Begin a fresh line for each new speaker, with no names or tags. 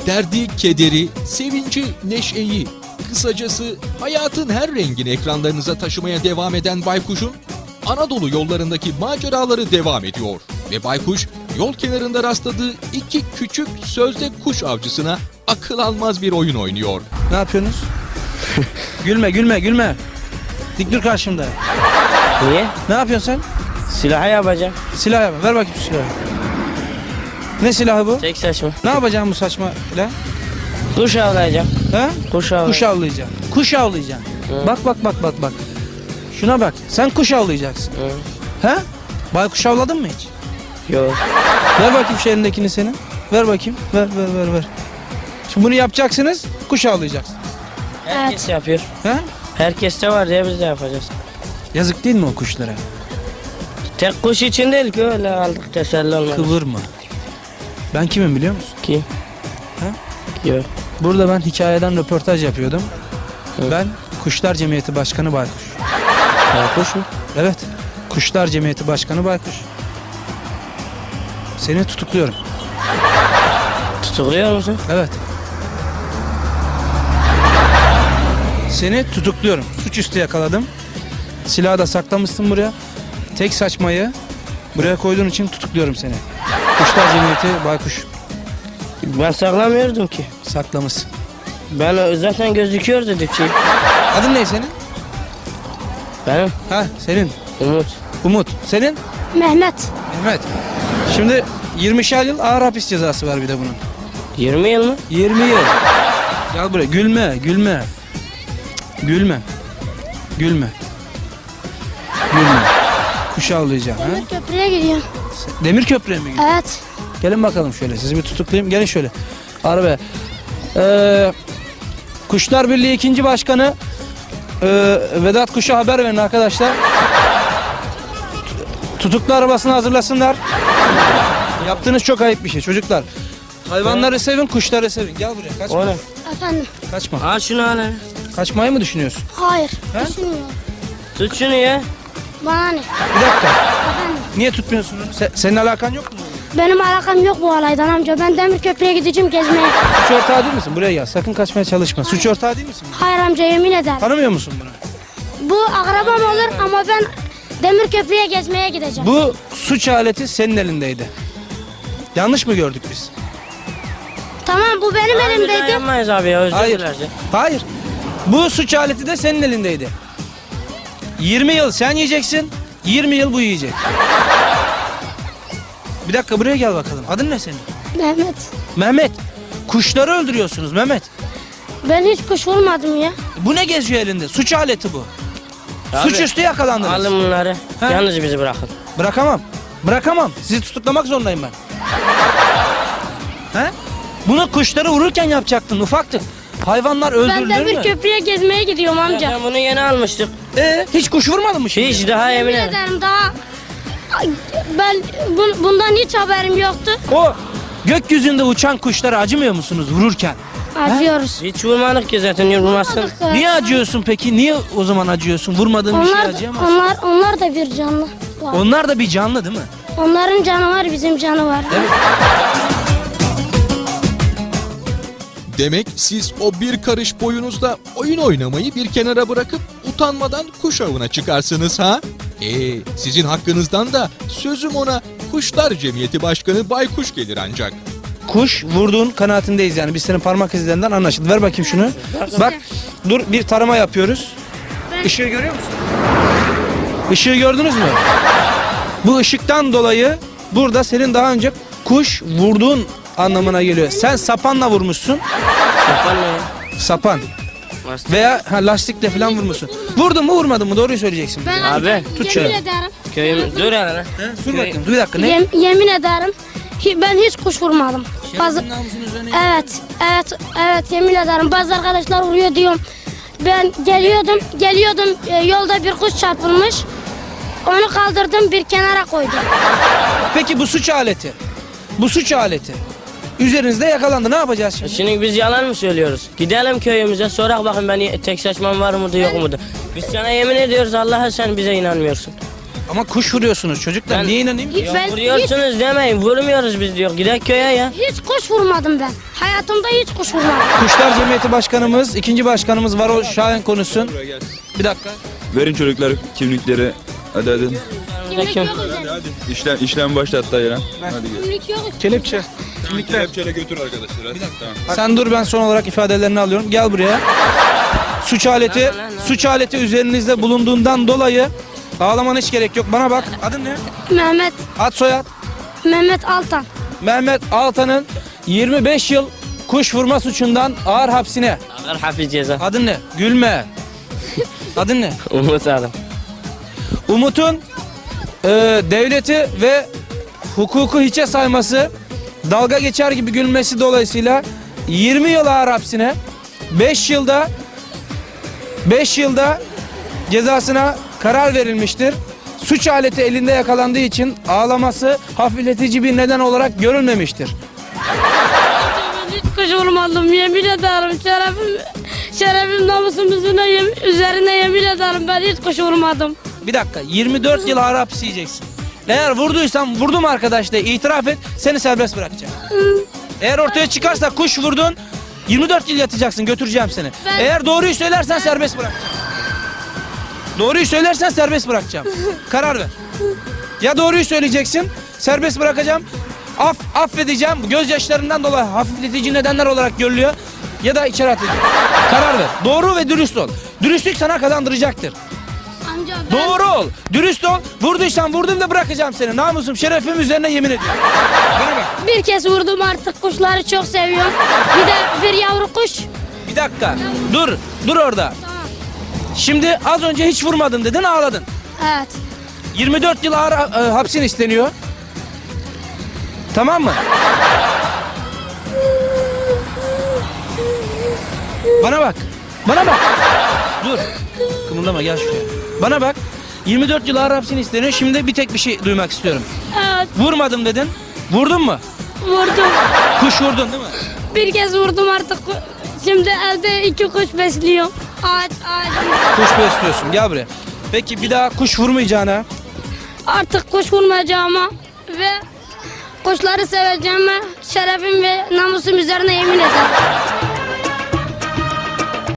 Derdi, kederi, sevinci, neşeyi, kısacası hayatın her rengini ekranlarınıza taşımaya devam eden Baykuş'un Anadolu yollarındaki maceraları devam ediyor. Ve Baykuş yol kenarında rastladığı iki küçük sözde kuş avcısına akıl almaz bir oyun oynuyor.
Ne yapıyorsunuz? Gülme gülme gülme. Dik dur karşımda.
Niye?
Ne yapıyorsun sen?
Silahı yapacağım.
Silah yap. Ver bakayım şu silahı. Ne silahı bu?
Tek saçma.
Ne yapacaksın bu saçma silah?
Kuş avlayacağım.
Ha?
Kuş avlayacağım.
Kuş avlayacaksın. Kuş avlayacaksın.
Hı.
Bak bak bak bak bak. Şuna bak. Sen kuş avlayacaksın.
Hı.
Ha? Baykuş avladın mı hiç?
Yok.
Ver bakayım şu elindekini senin. Ver bakayım. Ver ver ver ver. Şimdi bunu yapacaksınız. Kuş avlayacaksın.
Herkes yapıyor.
Ha?
Herkes de var diye biz de yapacağız.
Yazık değil mi o kuşlara?
Tek kuş için değil ki öyle aldık teselli olmadı.
Kıvırma. Ben kimim biliyor musun?
Kim?
Ha?
Yok.
Burada ben hikayeden röportaj yapıyordum.
Evet.
Ben Kuşlar Cemiyeti Başkanı Baykuş.
Kuş mu?
Evet. Kuşlar Cemiyeti Başkanı Baykuş. Seni tutukluyorum.
Tutukluyor musun?
Evet. Seni tutukluyorum. Suçüstü yakaladım. Silahı da saklamışsın buraya. Tek saçmayı buraya koyduğun için tutukluyorum seni. Kuşlar Cemiyeti Baykuş.
Ben saklamıyordum ki.
Saklamışsın.
Ben zaten gözüküyor dedik ki.
Adın ne senin?
Benim
Ha senin.
Umut.
Umut. Senin?
Mehmet.
Mehmet. Şimdi 20'şer yıl ağır hapis cezası var bir de bunun.
20 yıl mı?
20 yıl. Gel buraya. Gülme, gülme. Cık, gülme. Gülme. Gülme. Kuş avlayacağım. Ha?
Demir köprüye gidiyorum.
Demir köprüye mi gidiyorsun?
Evet.
Gelin bakalım şöyle. Sizi bir tutuklayayım. Gelin şöyle. Arabaya. Kuşlar Birliği 2. Başkanı Vedat Kuş'a haber verin arkadaşlar. Tutuklu arabasını hazırlasınlar. Yaptığınız çok ayıp bir şey çocuklar. Hayvanları sevin, kuşları sevin. Gel buraya. Kaçma.
O ne?
Efendim.
Kaçma.
Al şunu al. hele.
Kaçmayı mı düşünüyorsun?
Hayır.
He?
Düşünmüyorum.
Tut şunu ya.
Bana ne?
Bir dakika.
Efendim.
Niye tutmuyorsun? Senin alakan yok mu?
Benim alakam yok bu olaydan amca. Ben demir köprüye gideceğim gezmeye.
Suç ortağı değil misin? Buraya gel. Sakın kaçmaya çalışma. Suç ortağı değil misin?
Hayır amca yemin ederim.
Tanımıyor musun bunu?
Bu akrabam olur ama ben demir köprüye gezmeye gideceğim.
Bu suç aleti senin elindeydi. Yanlış mı gördük biz?
Tamam bu benim
Abi, bir daha
elimdeydi.
yapmayız abi ya. Özür
Hayır.
dileriz ya.
Hayır. Bu suç aleti de senin elindeydi. 20 yıl sen yiyeceksin. 20 yıl bu yiyecek. Bir dakika buraya gel bakalım. Adın ne senin?
Mehmet.
Mehmet. Kuşları öldürüyorsunuz Mehmet.
Ben hiç kuş vurmadım ya.
Bu ne geziyor elinde? Suç aleti bu.
Abi,
Suçüstü yakalandınız.
Alın bunları.
Ha?
Yalnız bizi bırakın.
Bırakamam. Bırakamam. Sizi tutuklamak zorundayım ben. He? Bunu kuşları vururken yapacaktın ufaktık. Hayvanlar
Ben
öldürülür
demir
mü?
köprüye gezmeye gidiyorum amca.
Ben bunu yeni almıştık.
Hiç kuş vurmadın mı şimdi?
Hiç daha
Yemin
yemin ederim.
ederim daha ben bundan hiç haberim yoktu.
O gökyüzünde uçan kuşlara acımıyor musunuz vururken?
Acıyoruz.
Hiç vurmadık ki zaten yorulmazsın.
Niye acıyorsun peki? Niye o zaman acıyorsun? Vurmadığın bir şey
Onlar,
acıyamazsın.
onlar da bir canlı. Var.
Onlar da bir canlı değil mi?
Onların canı var, bizim canı var.
Demek siz o bir karış boyunuzda oyun oynamayı bir kenara bırakıp utanmadan kuş avına çıkarsınız ha? Sizin hakkınızdan da sözüm ona Kuşlar Cemiyeti Başkanı Baykuş gelir ancak.
Kuş vurduğun kanaatindeyiz yani. Biz senin parmak izlerinden anlaşıldı. Ver bakayım şunu. Bak dur bir tarama yapıyoruz. Işığı görüyor musun? Işığı gördünüz mü? Bu ışıktan dolayı burada senin daha önce kuş vurduğun anlamına geliyor. Sen sapanla vurmuşsun.
Sapan ne ya?
Sapan.
Lastik.
Veya lastikle falan vurmuşsun. Vurdun mu vurmadın mı? Doğruyu söyleyeceksin.
Ben
Abi,
tut
yemin
şöyle.
ederim.
Köyüm dur hele.
Dur bakayım. Dur bir dakika ne?
Yemin ederim. Ben hiç kuş vurmadım. Bazı,
namusun üzerine.
evet yemin ederim. Bazı arkadaşlar vuruyor diyorum. Ben geliyordum yolda bir kuş çarpılmış. Onu kaldırdım bir kenara koydum.
Peki bu suç aleti. Bu suç aleti. Üzerinizde yakalandı. Ne yapacağız şimdi?
Şimdi biz yalan mı söylüyoruz? Gidelim köyümüze sorak bakın ben tek saçmam var mıdır yok mudur? Biz sana yemin ediyoruz Allah'a sen bize inanmıyorsun.
Ama kuş vuruyorsunuz çocuklar.
Ben-
Niye inanayım ki?
Hiç, ben hiç,
Vuruyorsunuz demeyin. Vurmuyoruz biz diyor. Gidek köye ya.
hiç kuş vurmadım ben. Hayatımda hiç kuş vurmadım.
Kuşlar Cemiyeti Başkanımız, ikinci başkanımız var o Şahin konuşsun. Bir dakika.
Verin çocuklar kimlikleri. Hadi.
Kimlik yok üzerinde.
İşlem başlattı ya. Hadi gel.
Kimlik yok üzerinde.
Kelepçe.
Kelepçeyle götür arkadaşlar. Hadi. Tamam.
Sen dur, ben son olarak ifadelerini alıyorum. Gel buraya. Suç aleti üzerinizde bulunduğundan dolayı ağlamana hiç gerek yok. Bana bak. Adın ne?
Mehmet,
Ad soyad.
Mehmet Altan.
Mehmet Altan'ın 25 yıl kuş vurma suçundan ağır hapsine.
Ağır hafif ceza.
Adın ne? Gülme. Adın ne?
Umut adım.
Umut'un devleti ve hukuku hiçe sayması, dalga geçer gibi gülmesi dolayısıyla 20 yıl ağır hapsine, 5 yılda cezasına karar verilmiştir. Suç aleti elinde yakalandığı için ağlaması hafifletici bir neden olarak görülmemiştir.
Ben hiç kuş vurmadım, yemin ederim. Şerefim namusumuzun üzerine yemin ederim. Ben hiç kuş vurmadım.
Bir dakika, 24 yıl ağır hapis yiyeceksin. Eğer vurduysan vurdum arkadaş de itiraf et, seni serbest bırakacağım. Eğer ortaya çıkarsa kuş vurdun, 24 yıl yatacaksın, götüreceğim seni. Eğer doğruyu söylersen serbest bırakacağım. Doğruyu söylersen serbest bırakacağım. Karar ver. Ya doğruyu söyleyeceksin, serbest bırakacağım. Affedeceğim, gözyaşlarından dolayı hafifletici nedenler olarak görülüyor. Ya da içeri atacağım. Karar ver. Doğru ve dürüst ol. Dürüstlük sana kazandıracaktır.
Amca ben...
Doğru ol, dürüst ol. Vurduysan vurdum da bırakacağım seni. Namusum, şerefim üzerine yemin ediyorum. Bana bak.
Bir kez vurdum, artık kuşları çok seviyorum. Bir de bir yavru kuş.
Bir dakika. Dur orada.
Tamam.
Şimdi az önce hiç vurmadın dedin, ağladın.
Evet.
24 yıl ağır hapsin isteniyor. Tamam mı? Bana bak. Dur. Kımıldama, gel şuraya. Bana bak. 24 yıl ağır hapsin isteniyor. Şimdi bir tek bir şey duymak istiyorum.
Evet,
Vurmadım dedin. Vurdun mu?
vurdum.
Kuş vurdun değil mi?
Bir kez vurdum artık. Şimdi evde 2 kuş besliyorum. Ağaç.
Kuş besliyorsun. Gel buraya. Peki bir daha kuş vurmayacağına,
Artık kuş vurmayacağıma ve kuşları seveceğime şerefim ve namusum üzerine yemin ederim.